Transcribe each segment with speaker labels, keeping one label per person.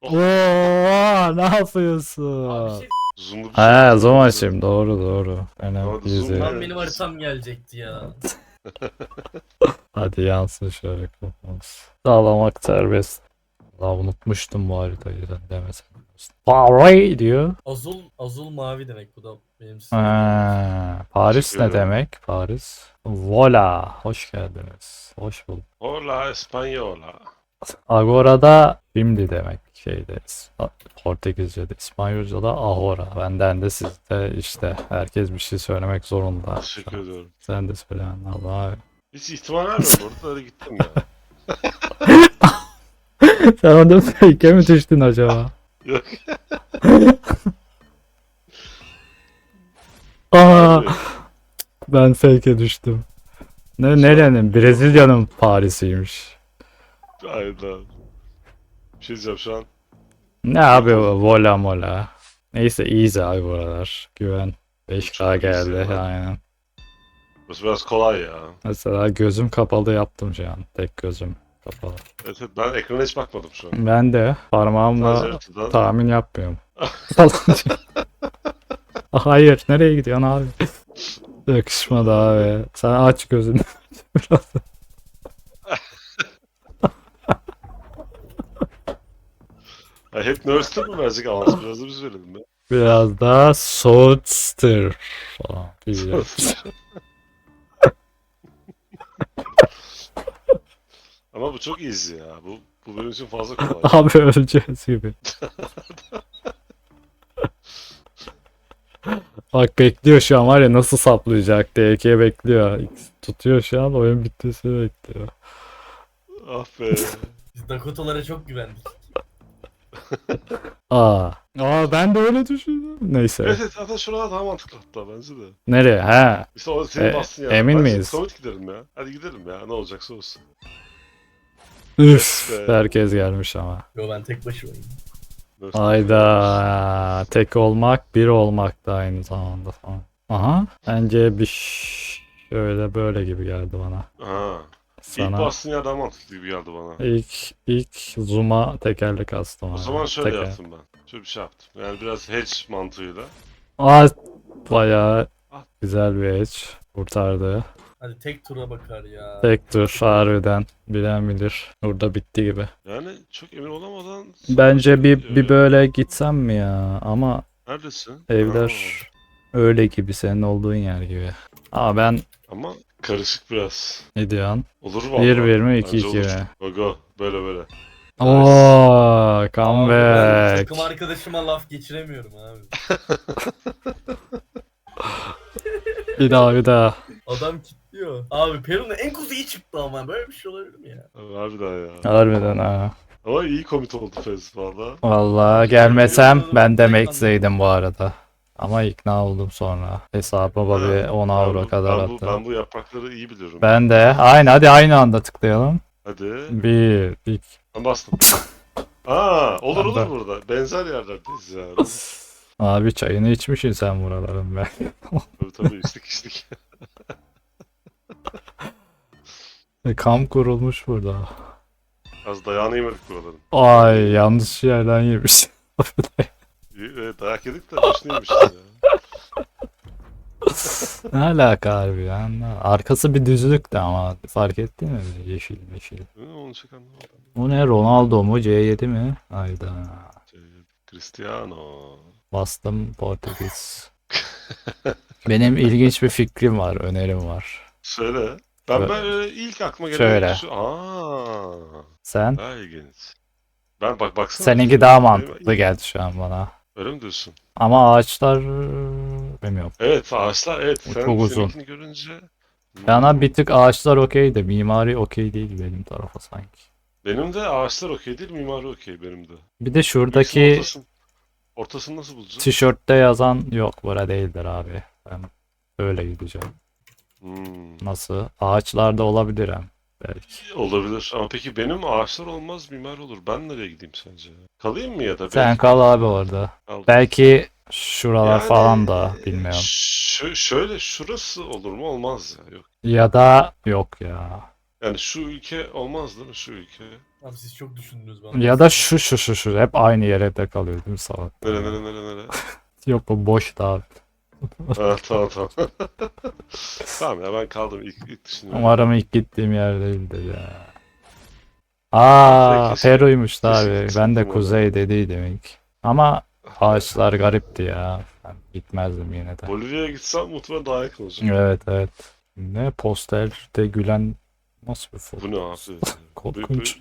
Speaker 1: Oo, ne
Speaker 2: Abi
Speaker 1: yapıyorsun?
Speaker 2: şey
Speaker 3: Zoom'lu bir şey
Speaker 1: He,
Speaker 3: yaptım.
Speaker 1: zoom açayım. Doğru doğru.
Speaker 3: Ama
Speaker 1: Önemli
Speaker 3: zoom
Speaker 1: izleyin.
Speaker 2: tam
Speaker 3: ne?
Speaker 2: benim haritam gelecekti ya.
Speaker 1: Hadi yansın şöyle kafamız. Sağlamak serbest. Allah unutmuştum bu haritayı sen demesen. Paris diyor.
Speaker 2: Azul mavi demek, bu da benim sevdiğim renk.
Speaker 1: Paris
Speaker 3: Teşekkür
Speaker 1: ne
Speaker 3: ederim.
Speaker 1: demek? Paris. Vola. Hoş geldiniz. Hoş bulduk.
Speaker 3: Hola Española.
Speaker 1: Agora'da şimdi demek şeyderiz. Portekizce'de, İspanyolca'da ahora. Benden de sizde işte herkes bir şey söylemek zorunda. Şu
Speaker 3: Teşekkür
Speaker 1: an.
Speaker 3: ediyorum.
Speaker 1: Sen de söyle Allah.
Speaker 3: Hiç ihtimal vermiyorum bu arada, hadi gittim ya.
Speaker 1: Sen orada fake'e mi düştün acaba?
Speaker 3: Yok.
Speaker 1: Aa,
Speaker 3: Harbi.
Speaker 1: ben fake'e düştüm.
Speaker 3: Şu
Speaker 1: Nerenin? Brezilya'nın Paris'iymiş.
Speaker 3: Aynen. Bir şey diyeceğim şu an.
Speaker 1: Ne abi o vola mola. Neyse easy abi buralar. Güven. 5K
Speaker 3: Çok easy
Speaker 1: geldi
Speaker 3: ya.
Speaker 1: aynen.
Speaker 3: Burası biraz kolay ya.
Speaker 1: Mesela gözüm kapalı yaptım şu an. Tek gözüm kapalı.
Speaker 3: Evet, evet, ben ekrana hiç bakmadım şu an.
Speaker 1: Ben de
Speaker 3: Sadece
Speaker 1: parmağımla
Speaker 3: haritadan.
Speaker 1: tahmin yapmıyorum. Falan diyor. Hayır, nereye gidiyorsun abi? Yakışmadı abi. Sen aç gözünü biraz.
Speaker 3: Ya hep Nurse'da mı verecek avans? Biraz da biz verelim be.
Speaker 1: Biraz daha Soulster falan. Bilmiyorum.
Speaker 3: Ama bu çok easy ya. Bu benim için fazla kolay.
Speaker 1: Abi öleceğiz gibi. Bak bekliyor şu an var ya nasıl saplayacak diye DK bekliyor. X tutuyor şu an oyun bitmesini bekliyor.
Speaker 3: Ah be.
Speaker 2: Biz Dakotalara çok güvendik.
Speaker 1: Aa ben de öyle düşündüm. Neyse.
Speaker 3: Evet, evet, zaten şuralar daha mantıklı hatta bence de.
Speaker 1: Nereye? He.
Speaker 3: İşte o senin bastın ya.
Speaker 1: Emin
Speaker 3: Bence
Speaker 1: miyiz?
Speaker 3: Summit gidelim ya. Hadi gidelim ya. Ne olacaksa olsun.
Speaker 1: Üf,
Speaker 3: Yes be.
Speaker 1: herkes gelmiş ama.
Speaker 2: Yo, ben tek başımayım.
Speaker 3: Nurse
Speaker 1: Hayda. Tek olmak bir olmak da aynı zamanda falan. Aha. Bence bir şöyle böyle gibi geldi bana.
Speaker 3: Aha. İlk
Speaker 1: Sana
Speaker 3: bastığın yer daha mantıklı gibi geldi bana.
Speaker 1: ilk zoom'a tekerlek astım
Speaker 3: O
Speaker 1: abi.
Speaker 3: zaman şöyle
Speaker 1: Teker.
Speaker 3: yaptım ben. Şöyle bir şey yaptım. Yani biraz hedge mantığıyla.
Speaker 1: Aa bayağı güzel bir edge kurtardı.
Speaker 2: Hadi tek tura bakar ya.
Speaker 1: Tek tur harbiden bilen bilir. Burada bitti gibi.
Speaker 3: Yani çok emin olamadan
Speaker 1: Bence bir
Speaker 3: gidiyor ya.
Speaker 1: böyle gitsem mi ya? Ama
Speaker 3: Neredesin?
Speaker 1: evler
Speaker 3: Aa,
Speaker 1: öyle gibi senin olduğun yer gibi. Ama ben
Speaker 3: ama karışık biraz.
Speaker 1: ne diyorsun?
Speaker 3: Olur
Speaker 1: 1-1
Speaker 3: vallahi.
Speaker 1: mi
Speaker 3: Bence
Speaker 1: 2-2
Speaker 3: olur.
Speaker 1: mi?
Speaker 3: Go go. Böyle böyle.
Speaker 1: Oo,
Speaker 2: Abi ben
Speaker 1: comeback.
Speaker 2: takım arkadaşıma laf geçiremiyorum abi.
Speaker 1: Bir daha bir daha.
Speaker 2: Adam kilitliyor. Abi Peru'nun en kuzeyi çıktı ama böyle bir şey olabilir mi ya?
Speaker 3: Abi, harbiden ya.
Speaker 1: Harbiden ha.
Speaker 3: Ama iyi komit oldu Fez valla.
Speaker 1: Vallahi gelmesem
Speaker 2: Bilmiyorum,
Speaker 1: ben de
Speaker 2: tek
Speaker 1: Max'eydim bu arada. Ama ikna oldum sonra. Hesabıma
Speaker 3: Ha,
Speaker 1: bir 10 euro kadar
Speaker 3: ben
Speaker 1: attım.
Speaker 3: bu yaprakları iyi biliyorum.
Speaker 1: Ben de. Aynı hadi aynı anda tıklayalım.
Speaker 3: Hadi.
Speaker 1: 1 2
Speaker 3: Ben bastım. Aa, olur
Speaker 1: Ben de.
Speaker 3: olur burada. Benzer yerlerdeyiz ya.
Speaker 1: Abi çayını içmişsin sen buraların be.
Speaker 3: Tabii tabii, içtik içtik.
Speaker 1: Kamp kurulmuş burada.
Speaker 3: Az dayağını yemedik buraların.
Speaker 1: Ay yanlış yerden yemiş.
Speaker 3: Evet, dayak yedik de başını yemişiz ya.
Speaker 1: Ne alaka harbi ya? Arkası bir düzlüktü ama fark ettin mi? Böyle yeşil yeşil.
Speaker 3: Onu çok anlamadım.
Speaker 1: Bu ne Ronaldo mu C7 mi? Hayda.
Speaker 3: Şey, Cristiano.
Speaker 1: Bastım Portekiz. Benim ilginç bir fikrim var, önerim var.
Speaker 3: Söyle.
Speaker 1: Şöyle.
Speaker 3: Ben ilk aklıma gelen
Speaker 1: Şöyle.
Speaker 3: şu. Aa,
Speaker 1: Sen?
Speaker 3: daha ilginç. Ben baksana.
Speaker 1: Seninki daha mantıklı geldi şu an bana.
Speaker 3: Öyle mi diyorsun?
Speaker 1: Ama ağaçlar bilmiyorum.
Speaker 3: Evet, ağaçlar evet.
Speaker 1: O çok uzun.
Speaker 3: Seninkini görünce.
Speaker 1: Bana bir tık ağaçlar okey de mimari okey değil benim tarafa sanki.
Speaker 3: Benim de ağaçlar okey değil, mimari okey benim de.
Speaker 1: Bir de
Speaker 3: İkisinin
Speaker 1: şuradaki
Speaker 3: ortasını nasıl bulacağız?
Speaker 1: tişörtte yazan yok bura değildir abi. Ben öyle gideceğim. Nasıl? Ağaçlarda olabilir hem. Belki.
Speaker 3: Olabilir ama peki benim ağaçlar olmaz, mimar olur. Ben nereye gideyim sence? Kalayım mı ya da?
Speaker 1: Sen
Speaker 3: Belki
Speaker 1: kal abi orada.
Speaker 3: kaldım.
Speaker 1: Belki şuralar
Speaker 3: Yani,
Speaker 1: falan da bilmiyorum.
Speaker 3: Şöyle şurası olur mu? Olmaz ya. Yok.
Speaker 1: Ya da yok ya.
Speaker 3: Yani şu ülke olmaz değil mi? Şu ülke.
Speaker 2: Abi siz çok düşündünüz bana.
Speaker 1: Ya da şu hep aynı yere kalıyor değil mi salak?
Speaker 3: Nere?
Speaker 1: Yok o boş da abi.
Speaker 3: Ha, tamam. Tamam ya, ben kaldım ilk düşünüyorum.
Speaker 1: Umarım ilk gittiğim yer değildir ya.
Speaker 3: Keşke-
Speaker 1: Peru'ymuş da
Speaker 3: keşke
Speaker 1: abi. Ben
Speaker 3: gitsin
Speaker 1: de
Speaker 3: değil mi
Speaker 1: kuzey dediydim ilk. Ama ağaçlar garipti ya. Ben gitmezdim yine de.
Speaker 3: Bolivya'ya gitsem muhtemelen daha yakın olacak.
Speaker 1: Evet. Ne posterde gülen nasıl bir foto?
Speaker 3: Bu ne abi?
Speaker 1: Korkunç.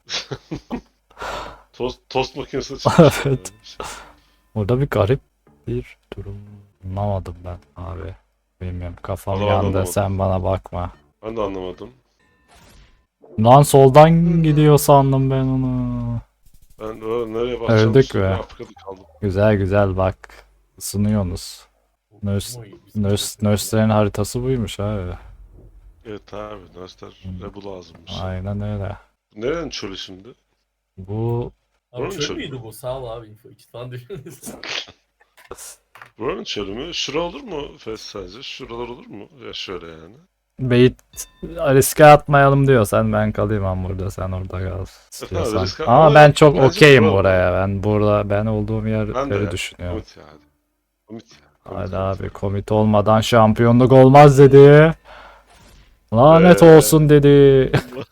Speaker 3: Tost makinesi çıkmış.
Speaker 1: Evet. Orada bir garip bir durum. Anlamadım ben abi. Bilmiyorum, kafam
Speaker 3: Vallahi
Speaker 1: yandı,
Speaker 3: anlamadım.
Speaker 1: sen bana bakma.
Speaker 3: Ben de anlamadım.
Speaker 1: Lan soldan gidiyor sandım ben onu.
Speaker 3: Ben de nereye bakacağım?
Speaker 1: Öldük
Speaker 3: Sonra
Speaker 1: be.
Speaker 3: Afrika'da kaldım.
Speaker 1: Güzel bak. Isınıyorsunuz. Nurse'lerin haritası buymuş abi.
Speaker 3: Evet abi, üniversiteler bu lazımmış.
Speaker 1: Aynen öyle.
Speaker 3: Nerenin çölü şimdi?
Speaker 1: Bu
Speaker 2: Abi
Speaker 3: Buranın
Speaker 2: çöl
Speaker 3: çölü
Speaker 2: müydü
Speaker 3: mü?
Speaker 2: bu? Sağ ol abi info için falan düşündünüz.
Speaker 3: Buranın çölü mü? Şura olur mu Fes sence? Şuralar olur mu? Ya şöyle yani.
Speaker 1: bait riske atmayalım diyorsan ben kalayım, ben burada, sen orada kal istiyorsan.
Speaker 3: riske-
Speaker 1: Ama
Speaker 3: ama
Speaker 1: ben çok
Speaker 3: bence
Speaker 1: okeyim
Speaker 3: bura-
Speaker 1: buraya. Ben olduğum
Speaker 3: Ben de
Speaker 1: yerleri
Speaker 3: ya.
Speaker 1: düşünüyorum.
Speaker 3: Komit ya hadi. Komit ya.
Speaker 1: Hadi abi, komit olmadan şampiyonluk olmaz dedi. Lanet
Speaker 3: Ve-
Speaker 1: olsun dedi.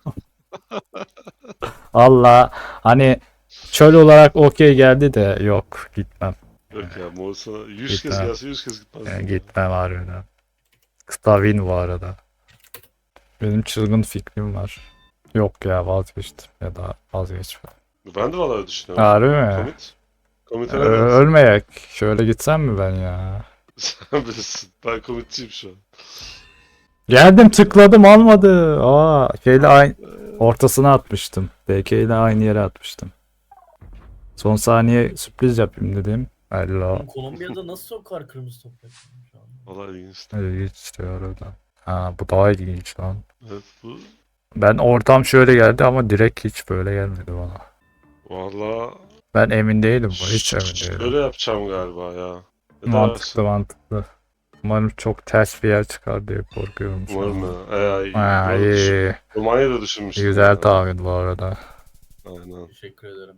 Speaker 1: Valla hani çöl olarak okey geldi de yok, gitmem.
Speaker 3: Yok ya, Moğolistan'a 100 kez
Speaker 1: Gitmem.
Speaker 3: gelse 100 kez gitmez.
Speaker 1: Yani gitmem harbiden. Kıta win bu arada. Benim çılgın fikrim var. Yok ya, vazgeçtim ya da vazgeçmem.
Speaker 3: Ben de vallahi düşünüyorum.
Speaker 1: Harbi mi?
Speaker 3: Komit. Komit'e ne dersin?
Speaker 1: Ölmeyek. Şöyle gitsem mi ben ya?
Speaker 3: Sen bilirsin. Ben komitçiyim şu an.
Speaker 1: Geldim, tıkladım, almadı. Şeyle aynı ortasına atmıştım. BK ile aynı yere atmıştım. Son saniye sürpriz yapayım dedim. Hello.
Speaker 2: Kolombiya'da nasıl sokar kırmızı toprak şu an?
Speaker 3: Vallahi ilginç.
Speaker 1: İlginç diyor orada. Bu daha ilginç lan.
Speaker 3: Evet bu.
Speaker 1: Ben ortam şöyle geldi ama direkt hiç böyle gelmedi bana.
Speaker 3: Vallahi
Speaker 1: Ben emin değilim bu. Hiç emin değilim.
Speaker 3: şöyle yapacağım galiba ya. Ya da
Speaker 1: Mantıklı. Umarım çok ters bir yer çıkar diye korkuyorum şu
Speaker 3: umarım
Speaker 1: an.
Speaker 3: ya.
Speaker 1: İyi.
Speaker 3: Romanya'da düşünmüştüm.
Speaker 1: Güzel
Speaker 3: ya.
Speaker 1: tahmin bu arada.
Speaker 3: Aynen.
Speaker 2: Teşekkür ederim.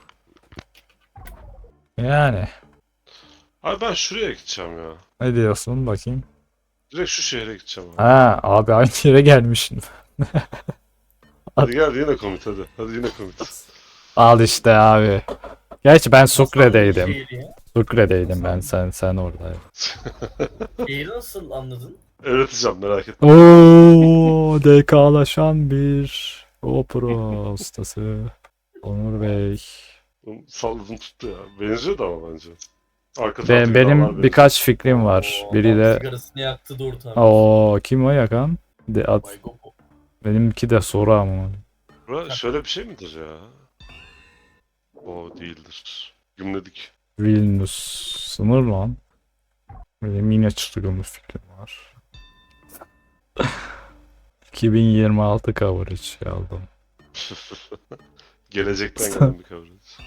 Speaker 1: Yani.
Speaker 3: Abi ben şuraya gideceğim ya.
Speaker 1: Ne diyorsun bakayım?
Speaker 3: Direkt şu şehre gideceğim abi.
Speaker 1: Abi aynı yere gelmişsin.
Speaker 3: Hadi gel yine komit hadi. Hadi yine komit.
Speaker 1: Al işte abi. Gerçi ben
Speaker 2: Nasıl
Speaker 1: Sucre'deydim.
Speaker 2: anladın şehri ya?
Speaker 1: Sucre'deydim ben, sen oradaydın.
Speaker 2: Şehri nasıl anladın?
Speaker 3: Öğreteceğim, merak etme.
Speaker 1: Oo, DK'laşan bir GoPro ustası. Onur Bey.
Speaker 3: Salladım tuttu ya. Benziyordu ama bence. Arka taraftaki dağlar
Speaker 1: Benim
Speaker 3: benziyor.
Speaker 1: birkaç fikrim var.
Speaker 2: Oo,
Speaker 1: Biri
Speaker 2: adam
Speaker 1: de
Speaker 2: sigarasını yaktı dur tabii.
Speaker 1: kim o yakan?
Speaker 2: Vay gopo.
Speaker 1: Benimki de soru ama.
Speaker 3: Bura şöyle bir şey midir ya? O değildir. Gümledik.
Speaker 1: Vilnius sınır lan. Benim yine çılgın bir fikrim var. 2026 coverage aldım.
Speaker 3: Gelecekten gelen bir kavramız.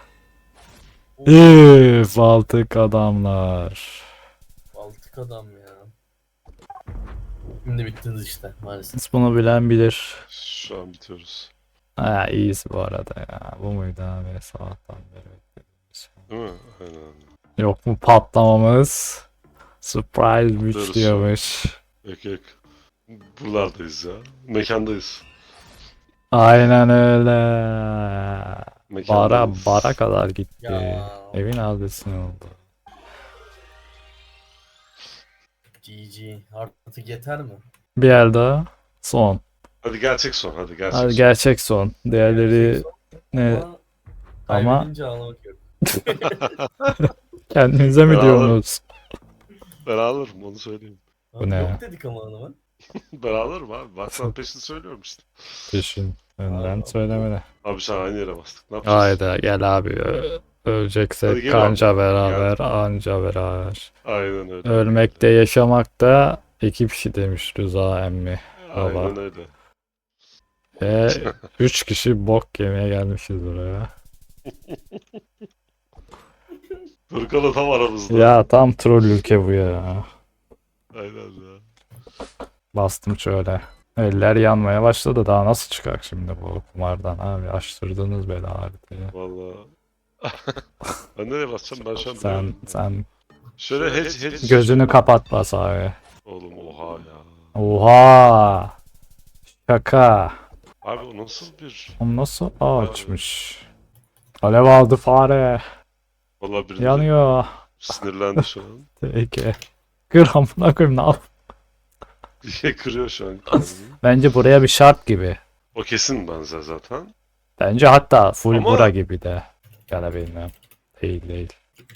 Speaker 1: Baltık adamlar.
Speaker 2: Baltık adam ya. Şimdi bittiniz işte maalesef.
Speaker 1: Siz bunu bilen bilir.
Speaker 3: Şu an bitiyoruz.
Speaker 1: İyiyiz bu arada ya. Bu muydu abi, sabahtan beri beklediğimiz şey.
Speaker 3: Değil mi? Aynen.
Speaker 1: Yok mu patlamamız? Surprise
Speaker 3: Dur,
Speaker 1: güç diyormuş.
Speaker 3: Yok. Buralardayız ya. Mekandayız.
Speaker 1: Aynen öyle.
Speaker 3: Mekandayız.
Speaker 1: Bara kadar gitti.
Speaker 2: Ya.
Speaker 1: Evin adresi oldu.
Speaker 2: GG. Artık yeter mi?
Speaker 1: Bir el daha. Son.
Speaker 3: Hadi gerçek son. Hadi gerçek
Speaker 1: Hadi
Speaker 3: son.
Speaker 1: gerçek son. Diğerleri ne?
Speaker 2: Ama
Speaker 1: Ama-
Speaker 2: kaybedince ağlamak yok.
Speaker 1: Kendinize mi
Speaker 3: Bravo.
Speaker 1: diyorsunuz?
Speaker 3: Ben alırım, onu söyleyeyim.
Speaker 1: Bu ne
Speaker 2: Yok
Speaker 1: ya?
Speaker 2: dedik ama hanıma.
Speaker 3: Ben alırım abi. Bak sana peşini söylüyorum işte.
Speaker 1: Peşin. Önden
Speaker 2: Aa,
Speaker 1: söylemene.
Speaker 3: Abi sen aynı yere bastık. Ne yapacağız?
Speaker 1: Hayda gel abi.
Speaker 3: Hadi
Speaker 1: Öleceksek
Speaker 3: gel
Speaker 1: kanca
Speaker 3: abi.
Speaker 1: beraber, anca beraber.
Speaker 3: Aynen öyle.
Speaker 1: Ölmekte, yaşamakta iki kişi demiş Rıza emmi. baba.
Speaker 3: Aynen öyle.
Speaker 1: 3 kişi bok yemeye gelmişiz buraya.
Speaker 3: Furkan'la tam aramızda.
Speaker 1: Ya tam troll ülke bu ya.
Speaker 3: Aynen ya.
Speaker 1: Bastım şöyle. Eller yanmaya başladı. Daha nasıl çıkar şimdi bu kumardan abi? Açtırdınız beni haritayı.
Speaker 3: Valla. Ben nereye basacağım? Ben şu an
Speaker 1: Sen
Speaker 3: bilemedim.
Speaker 1: sen
Speaker 3: Şöyle hedge.
Speaker 1: gözünü kapat bas abi.
Speaker 3: Oğlum oha ya.
Speaker 1: Oha! Şaka.
Speaker 3: Abi o nasıl bir...
Speaker 1: O nasıl ağaçmış? Alev aldı fare.
Speaker 3: Valla biri
Speaker 1: Yanıyor.
Speaker 3: sinirlendi şu an.
Speaker 1: Peki. Kır amına koyayım ne yap?
Speaker 3: Bir şey kırıyor şu an kendini.
Speaker 1: Bence buraya bir şart gibi.
Speaker 3: O kesin benzer zaten.
Speaker 1: Bence hatta full
Speaker 3: Ama-
Speaker 1: bura gibi de. Ya da bilmiyorum. Değil değil.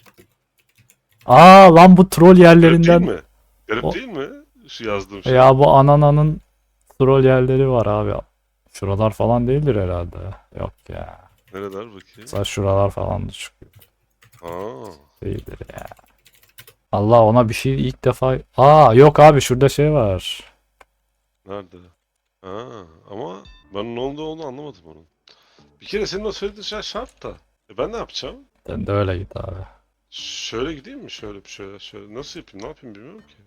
Speaker 1: Aa lan bu troll
Speaker 3: Garip
Speaker 1: yerlerinden.
Speaker 3: değil mi? Garip
Speaker 1: O-
Speaker 3: değil mi? Şu yazdığım şey.
Speaker 1: Ya bu anananın troll yerleri var abi. Şuralar falan değildir herhalde. Yok ya.
Speaker 3: Nereler bakayım?
Speaker 1: Mesela şuralar falan da çıkıyor.
Speaker 3: Aa.
Speaker 1: Değildir ya. Allah ona bir şey ilk defa... Aa yok abi şurada şey var.
Speaker 3: Nerede? Aa, ama ben ne olduğunu anlamadım onun. Bir kere senin o söylediğin şey şart da. Ben ne yapacağım?
Speaker 1: Sen de öyle git abi.
Speaker 3: Şöyle gideyim mi? Şöyle. Nasıl yapayım? Ne yapayım bilmiyorum ki.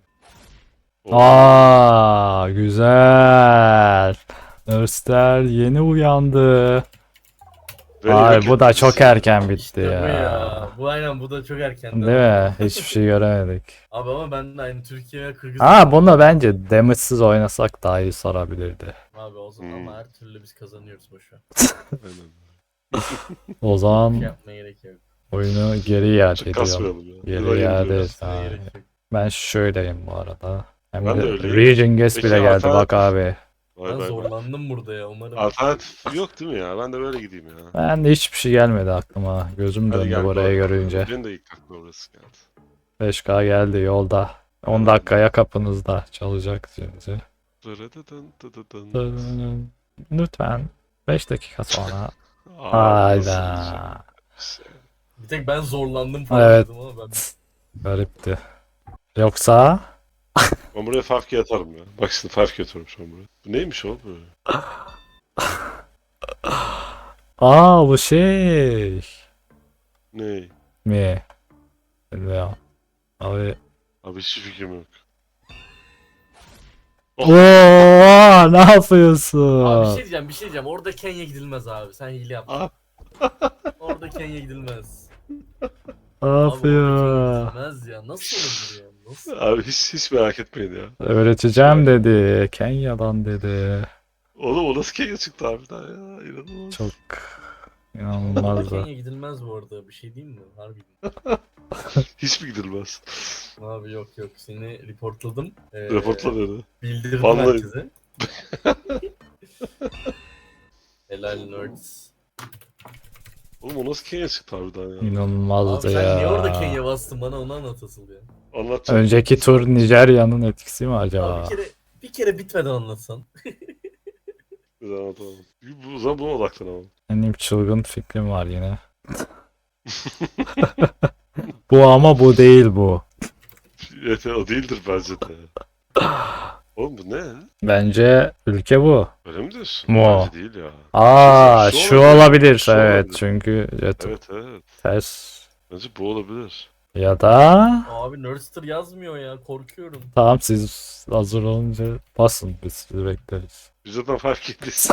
Speaker 1: Aa güzel. Nurster yeni uyandı.
Speaker 3: Beni
Speaker 1: Ay
Speaker 3: yok
Speaker 1: bu da
Speaker 3: ettiniz
Speaker 1: çok
Speaker 3: ya.
Speaker 1: erken bitti
Speaker 2: İşte bu
Speaker 1: ya.
Speaker 2: ya. Bu aynen bu da çok erken.
Speaker 1: Değil mi? Hiçbir şey göremedik.
Speaker 2: Abi ama ben de aynı Türkiye ve Kırgızistan.
Speaker 1: Ha bunu bence damage'siz oynasak daha iyi sarabilirdi.
Speaker 2: Abi o zaman
Speaker 3: Hmm.
Speaker 2: ama her türlü biz kazanıyoruz boşver.
Speaker 3: Aynen.
Speaker 1: O
Speaker 2: Bir şey
Speaker 1: zaman
Speaker 2: yapmaya gerek yok.
Speaker 1: oyunu geri iade
Speaker 3: Çok
Speaker 1: ediyorum.
Speaker 3: kasmayalım ya.
Speaker 1: Geri
Speaker 3: Yılan
Speaker 1: iade
Speaker 3: indiriyoruz.
Speaker 1: et
Speaker 2: Sana
Speaker 1: abi.
Speaker 2: gerek yok.
Speaker 1: Ben şöyleyim bu arada. Hem
Speaker 3: Ben de
Speaker 1: de
Speaker 3: öyleyim.
Speaker 1: Region Guest
Speaker 3: Peki,
Speaker 1: bile geldi bak
Speaker 3: alternatif-
Speaker 1: abi.
Speaker 3: Vay
Speaker 2: Ben
Speaker 3: vay vay.
Speaker 2: zorlandım burada ya umarım.
Speaker 3: Alternatif yok değil mi ya? Ben de böyle gideyim ya.
Speaker 1: Ben de hiçbir şey gelmedi aklıma. Gözüm
Speaker 3: Hadi
Speaker 1: döndü
Speaker 3: gel,
Speaker 1: burayı
Speaker 3: doğru.
Speaker 1: görünce.
Speaker 3: Benim de ilk aklıma orası geldi.
Speaker 1: 5K geldi yolda. 10 dakikaya kapınızda çalacak şimdi.
Speaker 3: Dırıdıdın dıdıdın.
Speaker 1: Lütfen 5 dakika sonra.
Speaker 3: Aa, nasıl
Speaker 1: Hayda.
Speaker 3: bir şey?
Speaker 2: Bir tek ben zorlandım falan
Speaker 1: Evet.
Speaker 2: dedim ama ben
Speaker 1: Garipti. Yoksa
Speaker 3: Ben buraya fark atarım ya. Bak şimdi fark atıyorum şu an buraya. Bu neymiş o böyle?
Speaker 1: aa bu şey
Speaker 3: Ne?
Speaker 1: mi? Bilmiyorum. Abi.
Speaker 3: Abi hiçbir fikrim yok.
Speaker 1: Oo, ne
Speaker 2: Abi bir
Speaker 1: yapıyorsun?
Speaker 2: şey diyeceğim. Orada Kenya gidilmez abi. Sen hile yap.
Speaker 3: Aa.
Speaker 2: Orada Kenya gidilmez.
Speaker 1: Ne
Speaker 2: Abi orada
Speaker 1: yapıyor?
Speaker 2: Kenya gidilmez ya. Nasıl olur ya? Nasıl?
Speaker 3: Abi hiç merak etmeyin ya.
Speaker 1: Öğreteceğim dedi. Kenya'dan dedi.
Speaker 3: Oğlum o nasıl Kenya çıktı abi daha ya? İnanılmaz.
Speaker 1: Çok
Speaker 2: Orada
Speaker 1: inanılmaz da.
Speaker 2: Kenya gidilmez bu arada. Bir şey diyeyim mi? Harbiden.
Speaker 3: Hiç mi gidilmez?
Speaker 2: Abi yok. Seni reportladım.
Speaker 3: Raportla dedi.
Speaker 2: Bildirdim
Speaker 3: Vallahi.
Speaker 2: herkese. Helal nerds.
Speaker 3: Oğlum o nasıl Kenya çıktı harbiden ya?
Speaker 2: Abi
Speaker 1: İnanılmazdı
Speaker 2: sen niye orada
Speaker 1: ya.
Speaker 2: Kenya bastın bana onu anlat asıl ya.
Speaker 3: Anlatacağım.
Speaker 1: Önceki tur Nijerya'nın etkisi mi acaba?
Speaker 2: Abi bir kere bitmeden anlatsan.
Speaker 3: Güzel anlatamam. Bu zaman buna odaklanamam.
Speaker 1: Benim çılgın fikrim var yine. Bu ama bu değil bu.
Speaker 3: Evet o değildir bence de. Oğlum bu ne?
Speaker 1: Bence ülke bu.
Speaker 3: Öyle mi diyorsun?
Speaker 1: Mu.
Speaker 3: Bence değil ya.
Speaker 1: Aa
Speaker 3: Şu
Speaker 1: şu
Speaker 3: olabilir.
Speaker 1: olabilir
Speaker 3: Şu
Speaker 1: evet
Speaker 3: olabilir.
Speaker 1: çünkü
Speaker 3: Evet.
Speaker 1: ters
Speaker 3: Bence bu olabilir.
Speaker 1: ya da
Speaker 2: Abi Nerdster yazmıyor ya korkuyorum.
Speaker 1: tamam siz hazır olunca basın biz sizi bekleriz.
Speaker 3: Biz zaten fark ettik.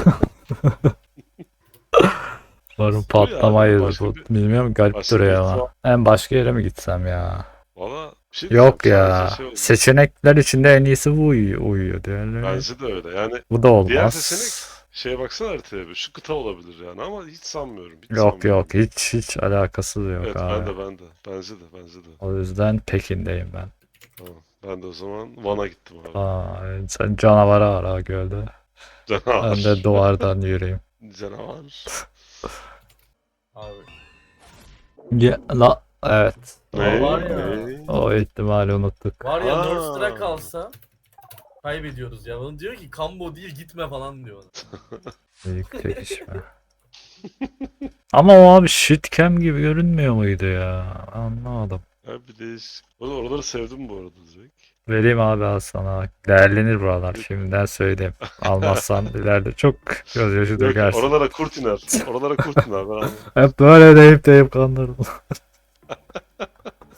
Speaker 1: Umarım
Speaker 3: ya,
Speaker 1: patlamayız
Speaker 3: başka
Speaker 1: bu.
Speaker 3: bir-
Speaker 1: Bilmiyorum garip
Speaker 3: başka
Speaker 1: duruyor
Speaker 3: bir
Speaker 1: ama. En başka yere mi gitsem ya?
Speaker 3: Valla bir şey
Speaker 1: Yok
Speaker 3: diyeceğim,
Speaker 1: ya.
Speaker 3: sadece şey oldu.
Speaker 1: Seçenekler içinde en iyisi bu uyuyor diğerleri.
Speaker 3: Bence de öyle. Yani
Speaker 1: Bu da
Speaker 3: diğer
Speaker 1: olmaz.
Speaker 3: seçenek şeye baksana haritaya bir. Şu kıta olabilir yani ama hiç sanmıyorum. Hiç
Speaker 1: Yok
Speaker 3: sanmıyorum.
Speaker 1: hiç alakası da yok
Speaker 3: Evet
Speaker 1: abi.
Speaker 3: ben de. Bence de.
Speaker 1: O yüzden Pekin'deyim ben.
Speaker 3: Tamam. Ben de o zaman Van'a gittim abi.
Speaker 1: Aa, sen canavara var ha gölde.
Speaker 3: Canavar.
Speaker 1: Ben de duvardan yürüyeyim.
Speaker 3: Canavar.
Speaker 2: Abi.
Speaker 1: Evet.
Speaker 3: Ne?
Speaker 2: var ya.
Speaker 3: Ne?
Speaker 1: O ihtimali unuttuk.
Speaker 2: Var ya
Speaker 3: Aa.
Speaker 2: Nerdster'a kalsa kaybediyoruz ya. Bana diyor ki Kambo değil gitme falan diyor.
Speaker 1: Büyük çekişme. Ama o abi shitcam gibi görünmüyor muydu ya? Anlamadım.
Speaker 3: Ya bir değişik. Oraları sevdim bu arada direkt.
Speaker 1: Vereyim abi al sana. Değerlenir buralar. Şimdiden söyleyeyim. Almazsan ileride çok gözyaşı
Speaker 3: Yok,
Speaker 1: dökersin.
Speaker 3: oralara kurt iner. Oralara kurt iner. Ben anladım.
Speaker 1: Hep böyle deyip kandırdım.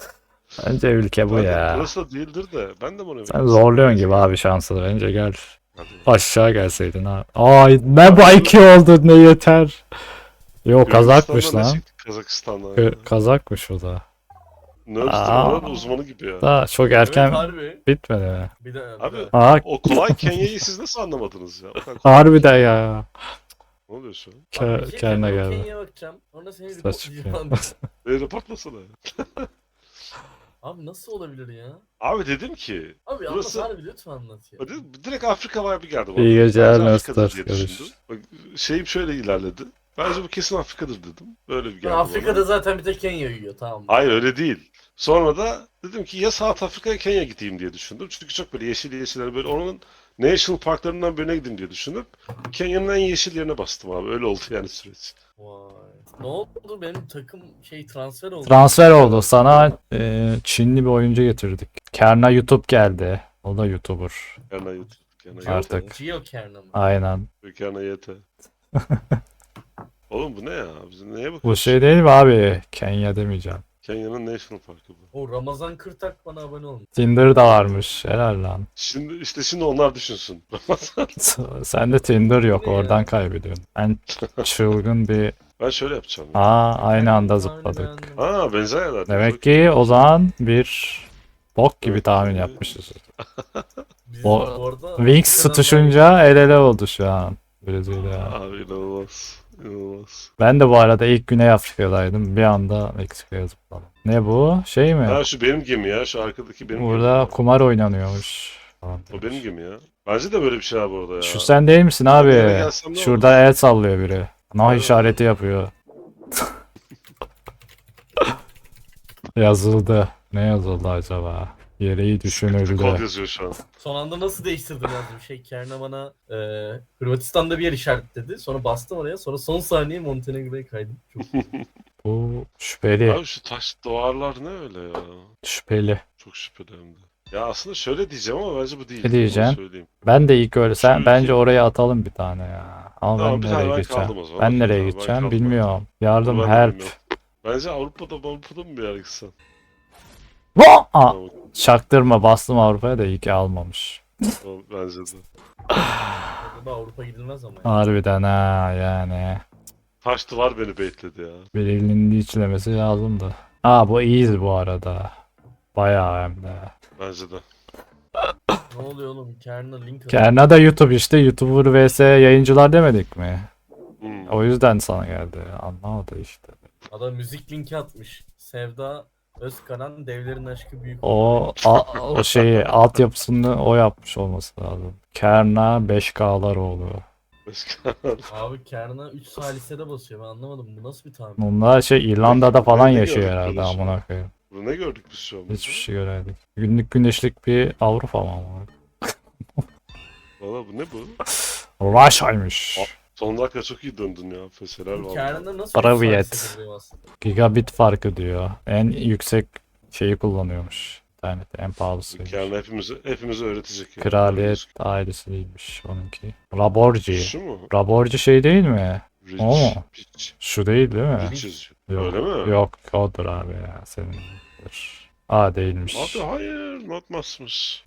Speaker 1: Bence ülke bu
Speaker 3: Ben de-
Speaker 1: ya.
Speaker 3: Burası da değildir de. Ben de bunu
Speaker 1: Sen zorluyorsun gibi abi şansını. Bence gel.
Speaker 3: Hadi.
Speaker 1: Aşağı gelseydin ha. Ay ne bu 2 oldu ne yeter. Yo kazakmış
Speaker 3: Gürcistan'dan
Speaker 1: lan.
Speaker 3: ne çıktı? Kazakistan'dan ya.
Speaker 1: Kazakmış o da.
Speaker 3: Nerf'te
Speaker 1: Aa.
Speaker 3: arada uzmanı gibi ya.
Speaker 1: Daha çok
Speaker 2: Evet
Speaker 1: erken
Speaker 2: harbi.
Speaker 1: bitmedi mi?
Speaker 2: Bir de
Speaker 3: Abi
Speaker 1: Aa
Speaker 3: o kolay Kenya'yı siz nasıl anlamadınız ya? O kadar kolay.
Speaker 1: harbiden ya.
Speaker 3: Ne oluyor şu an?
Speaker 1: Kendine geldi.
Speaker 2: Kenya'ya bakacağım. Sonra seni
Speaker 1: Saç
Speaker 2: reportlayacağım.
Speaker 3: Reportlasana ya.
Speaker 2: Abi nasıl olabilir ya?
Speaker 3: Abi dedim ki
Speaker 2: Abi
Speaker 3: Burası-
Speaker 2: anlat harbi lütfen anlat ya.
Speaker 3: direkt Afrika vibe'ı geldi bana.
Speaker 1: İyi geceler,
Speaker 3: Bence Afrika'dır
Speaker 1: Nestor.
Speaker 3: diye
Speaker 1: Görüş.
Speaker 3: düşündüm. Bak, şeyim şöyle ilerledi. Bence bu kesin Afrika'dır dedim. Böyle bir geldi
Speaker 2: Afrika'da
Speaker 3: bana.
Speaker 2: zaten bir tek Kenya yiyor tamam mı?
Speaker 3: Hayır öyle değil. Sonra da dedim ki ya South Afrika'ya Kenya gideyim diye düşündüm. Çünkü çok böyle yeşil yeşiller böyle onun national parklarından birine gideyim diye düşünüp Kenya'nın en yeşil yerine bastım abi. Öyle oldu yani süreç.
Speaker 2: Vay. Ne oldu benim takım transfer oldu.
Speaker 1: Transfer oldu. Sana Çinli bir oyuncu getirdik. Kerna YouTube geldi. O da YouTuber.
Speaker 3: Kerna YouTube. Kerna
Speaker 2: Geo-
Speaker 1: Artık.
Speaker 2: Geo Kerna mı?
Speaker 1: Aynen.
Speaker 3: YouTube. Kerna YT. Oğlum bu ne ya? Biz neye bakıyoruz?
Speaker 1: Bu şey değil mi abi? Kenya demeyeceğim.
Speaker 3: Kenya'nın national parkı bu.
Speaker 2: O Ramazan Kırtak bana abone olmuş.
Speaker 1: Tinder da varmış. Helal lan.
Speaker 3: Şimdi onlar düşünsün.
Speaker 1: Sende Tinder yok.
Speaker 2: Ne ya?
Speaker 1: Oradan kaybediyorsun. Ben çılgın bir...
Speaker 3: Ben şöyle yapacağım.
Speaker 1: Aa aynı anda
Speaker 2: Tahmin
Speaker 1: zıpladık.
Speaker 2: beğendim.
Speaker 3: Ha benzer yerler.
Speaker 1: Demek ki o zaman bir bok gibi tahmin yapmışız.
Speaker 2: Biz
Speaker 1: O-
Speaker 2: bu arada
Speaker 1: Wings
Speaker 2: Afrika'dan
Speaker 1: tutuşunca el ele oldu şu an. Brezilya.
Speaker 3: Abi inanılmaz. İnanılmaz.
Speaker 1: Ben de bu arada ilk Güney Afrika'daydım. Bir anda Meksika'ya zıpladım. Ne bu? Şey mi?
Speaker 3: Ha şu benim gemi ya. Şu arkadaki benim
Speaker 1: Burada
Speaker 3: gemi.
Speaker 1: kumar oynanıyormuş. falan
Speaker 3: O benim
Speaker 1: demiş.
Speaker 3: gemi ya. Bence de böyle bir şey var burada ya.
Speaker 1: Şu sen değil misin
Speaker 3: Ben
Speaker 1: abi?
Speaker 3: bir yere gelsem ne
Speaker 1: Şurada el sallıyor biri. Nah
Speaker 3: Evet.
Speaker 1: işareti yapıyor. Yazıldı. Ne yazıldı acaba? Yereği düşünüldü.
Speaker 3: Kod yazıyor şu an.
Speaker 2: Son anda nasıl değiştirdim yazdım. Kerna bana Hırvatistan'da bir yer işaretledi. Sonra bastım oraya. Sonra son saniye Montenegro'ya kaydım. Çok
Speaker 1: Bu şüpheli.
Speaker 3: Abi şu taş duvarlar ne öyle ya?
Speaker 1: Şüpheli.
Speaker 3: Çok şüpheli hem de. Ya aslında şöyle diyeceğim ama bence bu değil.
Speaker 1: Ne diyeceksin?
Speaker 3: Onu söyleyeyim.
Speaker 1: Ben de ilk öyle. Sen
Speaker 3: Şu
Speaker 1: bence
Speaker 3: iki-
Speaker 1: oraya atalım bir tane ya. Ama
Speaker 3: Tamam,
Speaker 1: ben
Speaker 3: bir tane
Speaker 1: nereye
Speaker 3: ben
Speaker 1: gideceğim?
Speaker 3: kaldım o zaman.
Speaker 1: Ben nereye
Speaker 3: Tamam, ben
Speaker 1: gideceğim
Speaker 3: kaldım.
Speaker 1: bilmiyorum. Yardım
Speaker 3: Bunu ben de
Speaker 1: help.
Speaker 3: bilmiyorum. Bence Avrupa'da mı bir yer gitsen?
Speaker 1: Aa!
Speaker 3: Tamam,
Speaker 1: Çaktırma bastım Avrupa'ya da iyi ki almamış.
Speaker 3: tamam, bence de.
Speaker 2: Orada Avrupa gidilmez ama.
Speaker 1: Harbiden ha yani.
Speaker 3: Taş duvar beni bekledi ya.
Speaker 1: Birinin içlemesi lazımdı. Aa bu iyiyiz bu arada. Bayağı hem de.
Speaker 3: Bence de.
Speaker 2: Ne oluyor oğlum? Kerna link atıyor.
Speaker 1: Kerna da YouTube işte. YouTuber vs yayıncılar demedik mi?
Speaker 3: Hmm.
Speaker 1: O yüzden sana geldi. Anlamadı işte.
Speaker 2: Adam müzik linki atmış. Sevda Özkaran Devlerin Aşkı Büyük.
Speaker 1: O şeyi altyapısını o yapmış olması lazım. Kerna 5K'lar oluyor.
Speaker 3: Başka.
Speaker 2: Abi Kerna 3 salisede basıyor. Ben anlamadım. Bu nasıl bir tahmin?
Speaker 1: Bunlar şey İrlanda'da falan
Speaker 3: Ne
Speaker 1: yaşıyor
Speaker 3: gördük
Speaker 1: herhalde
Speaker 3: böyle şu
Speaker 1: amına
Speaker 3: an?
Speaker 1: koyayım.
Speaker 3: Burada ne gördük biz şu an?
Speaker 1: Hiçbir şey göremedik. Günlük güneşlik bir Avrupa mı ama?
Speaker 3: Valla bu ne bu?
Speaker 1: Russia'ymış.
Speaker 3: Son dakika çok iyi döndün ya. Feseler
Speaker 2: Bu
Speaker 3: valla.
Speaker 2: Kerna nasıl
Speaker 1: Sovyet.
Speaker 2: 3 salisede vuruyor aslında?
Speaker 1: Gigabit farkı diyor. En yüksek şeyi kullanıyormuş. İnternet en pahalısıymış.
Speaker 3: Yani hepimize öğretecek. ya.
Speaker 1: Kraliyet ailesi değilmiş onunki. Raborci.
Speaker 3: Şu mu?
Speaker 1: Raborci şey değil mi?
Speaker 3: Rich.
Speaker 1: O mu?
Speaker 3: Rich.
Speaker 1: Şu değil değil mi?
Speaker 3: Rich yazıyor.
Speaker 1: Yok.
Speaker 3: Öyle mi?
Speaker 1: Yok odur abi ya senin. A değilmiş.
Speaker 3: Abi hayır. Not masmış.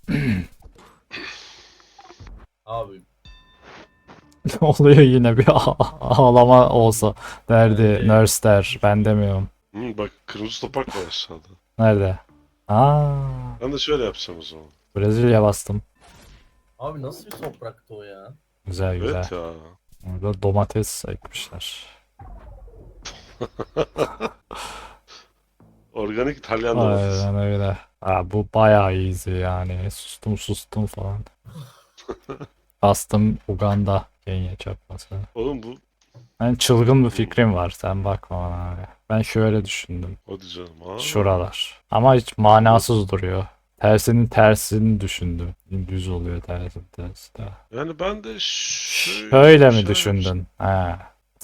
Speaker 2: Abi
Speaker 1: Ne oluyor yine bir ağlama olsa derdi
Speaker 2: Evet.
Speaker 1: nurse der. Ben demiyorum.
Speaker 3: Bak kırmızı topak var aşağıda.
Speaker 1: Nerede? Aa,
Speaker 3: Ben de şöyle yapacağım o zaman.
Speaker 1: Brezilya bastım.
Speaker 2: abi nasıl bir topraktı o ya?
Speaker 1: Güzel güzel.
Speaker 3: Evet ya.
Speaker 1: Burada domates ekmişler.
Speaker 3: Organik İtalyan domatesi.
Speaker 1: Aynen öyle. Aa, bu bayağı easy yani. Sustum falan. Bastım Uganda. Kenya çarpması.
Speaker 3: Oğlum bu
Speaker 1: Ben çılgın bir fikrim var. Sen bakma bana abi. Ben şöyle düşündüm.
Speaker 3: hadi canım ha.
Speaker 1: Şuralar. Ama hiç manasız duruyor. Tersinin tersini düşündüm. Düz oluyor tersin tersi de.
Speaker 3: Yani ben de
Speaker 1: Şöyle mi düşündün? He.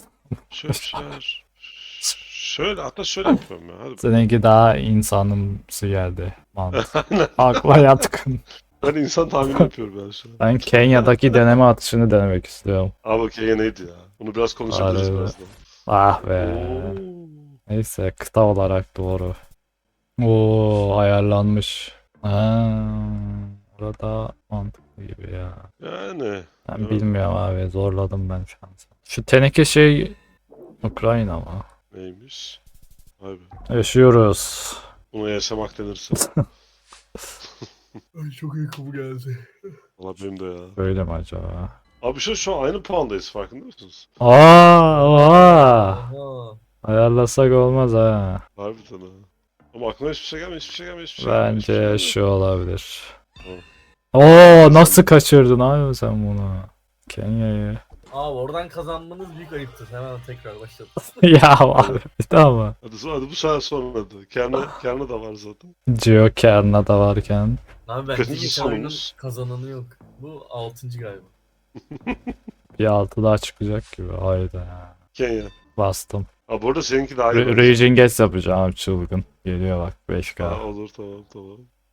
Speaker 3: Şöyle hatta şöyle yapıyorum ya. Hadi.
Speaker 1: Seninki daha insanımsı geldi. Mantık. Akla yatkın.
Speaker 3: Ben insan tahmini yapıyorum ben şu an.
Speaker 1: Ben Kenya'daki deneme atışını denemek istiyorum.
Speaker 3: Abi okey neydi ya? Bunu biraz konuşabiliriz
Speaker 1: Harbi.
Speaker 3: birazdan.
Speaker 1: Ah be. Neyse kıta olarak doğru. Oo ayarlanmış. Ha, Burada mantıklı gibi ya.
Speaker 3: Yani.
Speaker 1: Ben
Speaker 3: Evet.
Speaker 1: bilmiyorum abi. Zorladım ben şansı. Şu teneke şey Ukrayna mı?
Speaker 3: Neymiş? Vay be.
Speaker 1: Yaşıyoruz.
Speaker 3: Buna yaşamak denirse.
Speaker 2: Ay çok uykum geldi.
Speaker 3: Valla benim de ya.
Speaker 1: Böyle mi acaba?
Speaker 3: Abi şu an aynı puandayız farkında mısınız?
Speaker 1: Oha!
Speaker 2: Aha.
Speaker 1: Ayarlasak olmaz ha.
Speaker 3: Harbiden ha. Ama aklıma hiçbir şey gelmiyor, hiçbir şey gelmiyor, hiçbir şey gelmiyor. hiçbir şey
Speaker 1: Bence
Speaker 3: gelmiyor.
Speaker 1: şu olabilir.
Speaker 3: Tamam.
Speaker 1: Oo, nasıl kaçırdın abi sen bunu? Kenya'yı.
Speaker 2: Abi oradan kazanmanız büyük ayıptır. Hemen tekrar başladım.
Speaker 1: Ya abi tamam.
Speaker 3: Hadi bu sefer sonra hadi. Kerna da var zaten.
Speaker 1: Geocache'na da varken.
Speaker 2: Abi bence
Speaker 3: Kaçıncı
Speaker 2: geçen oyunun
Speaker 3: sonumuz?
Speaker 2: kazananı yok. Bu 6. galiba.
Speaker 1: Bir altı daha çıkacak gibi. Hayda.
Speaker 3: Kenya.
Speaker 1: Bastım.
Speaker 3: Ha bu arada seninki daha iyi. bence.
Speaker 1: Raging Guess yapacağım abi çılgın. Geliyor bak 5K.
Speaker 3: Ha, olur tamam.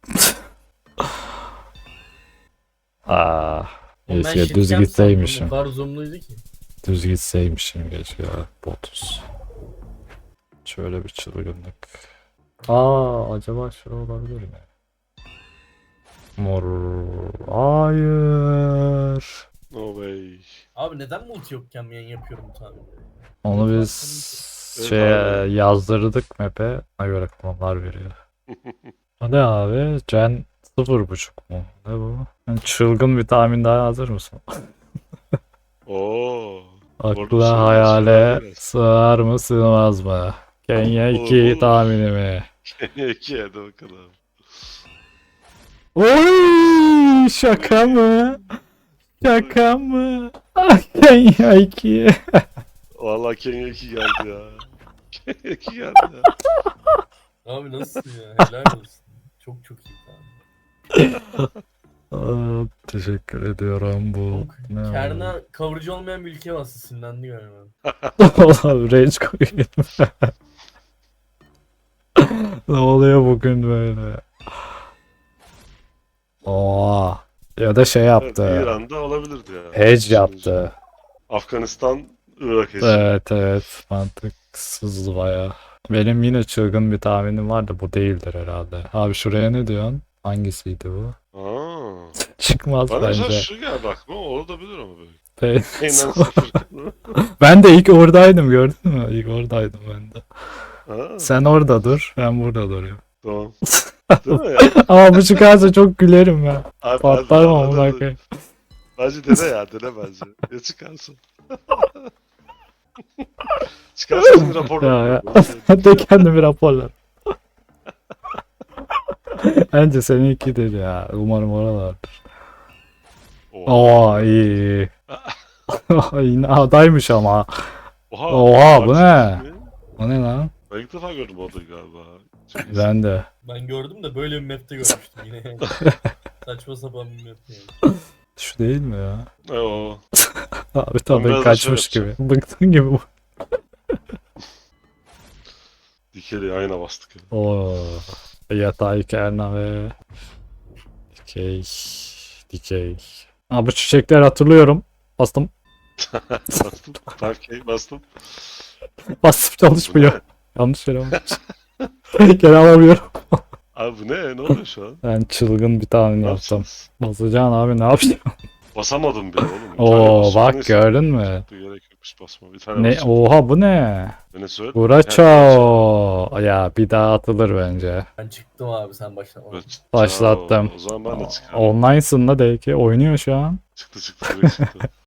Speaker 1: Aa,
Speaker 2: Oğlum ben
Speaker 1: keşke düz
Speaker 2: shitcam sandım,
Speaker 1: gitseymişim.
Speaker 2: O kadar zoomluydu ki.
Speaker 1: Düz gitseymişim keşke ya. Botus. Şöyle bir çılgınlık. Aa, acaba şura olabilir mi? Mor. Hayır.
Speaker 3: No way.
Speaker 2: Abi neden multi yokken yayın yapıyorum bu tahminleri?
Speaker 1: Onu biz
Speaker 3: Evet
Speaker 1: şeye
Speaker 3: abi.
Speaker 1: yazdırdık map'e. Ona göre puanlar veriyor. O ne abi? Gen 0.5 mu? Ne bu? Yani çılgın bir tahmin daha hazır mısın?
Speaker 3: Oo. Orada bir şey
Speaker 1: Akla
Speaker 3: var,
Speaker 1: hayale
Speaker 3: biraz.
Speaker 1: sığar mı sığmaz mı? Kenya
Speaker 3: Olur,
Speaker 1: 2
Speaker 3: olur.
Speaker 1: tahmini mi?
Speaker 3: Kenya 2 hadi bakalım.
Speaker 1: Oy, şaka mı? Şaka mı? Ah, Kenya 2.
Speaker 3: Vallahi Kenya 2 geldi ya. Kenya 2 geldi ya.
Speaker 2: Abi nasıl ya? Helal olsun. Çok iyi tahmin.
Speaker 1: Aa, teşekkür ediyorum bu. Ne oldu?
Speaker 2: Kerna kavurucu olmayan bir ülkeye bastı. Sinirlendi galiba.
Speaker 1: Oğlum rage koyayım. Ne oluyor bugün böyle? Oo. Ya da şey
Speaker 3: Evet,
Speaker 1: yaptı.
Speaker 3: İran'da olabilirdi ya.
Speaker 1: Hedge yaptı.
Speaker 3: Afganistan, Irak hedge.
Speaker 1: Evet mantıksız baya. Benim yine çılgın bir tahminim var da bu değildir herhalde. Abi şuraya ne diyorsun? Hangisiydi bu?
Speaker 3: Aa.
Speaker 1: Çıkmaz
Speaker 3: Bana mesela
Speaker 1: bence.
Speaker 3: şu geldi aklıma, olabilir ama böyle.
Speaker 1: Pe-
Speaker 3: Aynen sıfır.
Speaker 1: Ben de ilk oradaydım gördün mü? İlk oradaydım ben de.
Speaker 3: Ha,
Speaker 1: Sen orada dur, ben burada duruyorum.
Speaker 3: tamam. Değil mi ya?
Speaker 1: Ama bu çıkarsa çok gülerim ben.
Speaker 3: Abi,
Speaker 1: Patlarım
Speaker 3: hadi,
Speaker 1: amına
Speaker 3: hadi.
Speaker 1: koyayım.
Speaker 3: Bence dene bence. Ya çıkarsın. Çıkarsa şimdi rapor
Speaker 1: Ya,
Speaker 3: ver.
Speaker 1: De kendimi raporlar. Bence seninkidir ya. Umarım oralardır. Oo iyi. Yine adaymış ama. Oha, bu ne? O ne lan?
Speaker 3: Ben ilk defa gördüm o adayı galiba. Çok iyi.
Speaker 1: Ben de.
Speaker 2: Ben gördüm de böyle bir map'te görmüştüm yine. Saçma sapan bir map yani.
Speaker 1: Şu değil mi ya?
Speaker 3: O.
Speaker 1: Abi
Speaker 3: biraz
Speaker 1: tabii
Speaker 3: da
Speaker 1: kaçmış
Speaker 3: şey
Speaker 1: gibi. Bıktın gibi bu.
Speaker 3: Dikeli ayna bastık. Ya.
Speaker 1: Oo. Yatay kerna ve dikey. Dikey. Abi bu çiçekler hatırlıyorum. Bastım.
Speaker 3: Bastım. Parkey bastım.
Speaker 1: Bastım
Speaker 3: Bu
Speaker 1: çalışmıyor.
Speaker 3: ne?
Speaker 1: Yanlış yere almışım. Geri alamıyorum.
Speaker 3: Abi bu ne? Ne oluyor şu an?
Speaker 1: Ben çılgın bir tahmin
Speaker 3: Ne
Speaker 1: yaptım.
Speaker 3: yapacağız?
Speaker 1: Basacaksın abi ne yapayım?
Speaker 3: Basamadım bile oğlum. Bir tane
Speaker 1: Oo
Speaker 3: basıyorum,
Speaker 1: bak
Speaker 3: neyse.
Speaker 1: gördün mü?
Speaker 3: Gerek yokmuş basma. Bir tane
Speaker 1: Ne?
Speaker 3: basacağım.
Speaker 1: Oha bu ne?
Speaker 3: Venezuela.
Speaker 1: Buraçao. Ya bir daha atılır bence.
Speaker 2: Ben çıktım abi sen başlama.
Speaker 3: Evet.
Speaker 1: Başlattım.
Speaker 3: O zaman ben de çıkarım.
Speaker 1: Online'sın da belki. Oynuyor şu an.
Speaker 3: Çıktı direkt çıktı.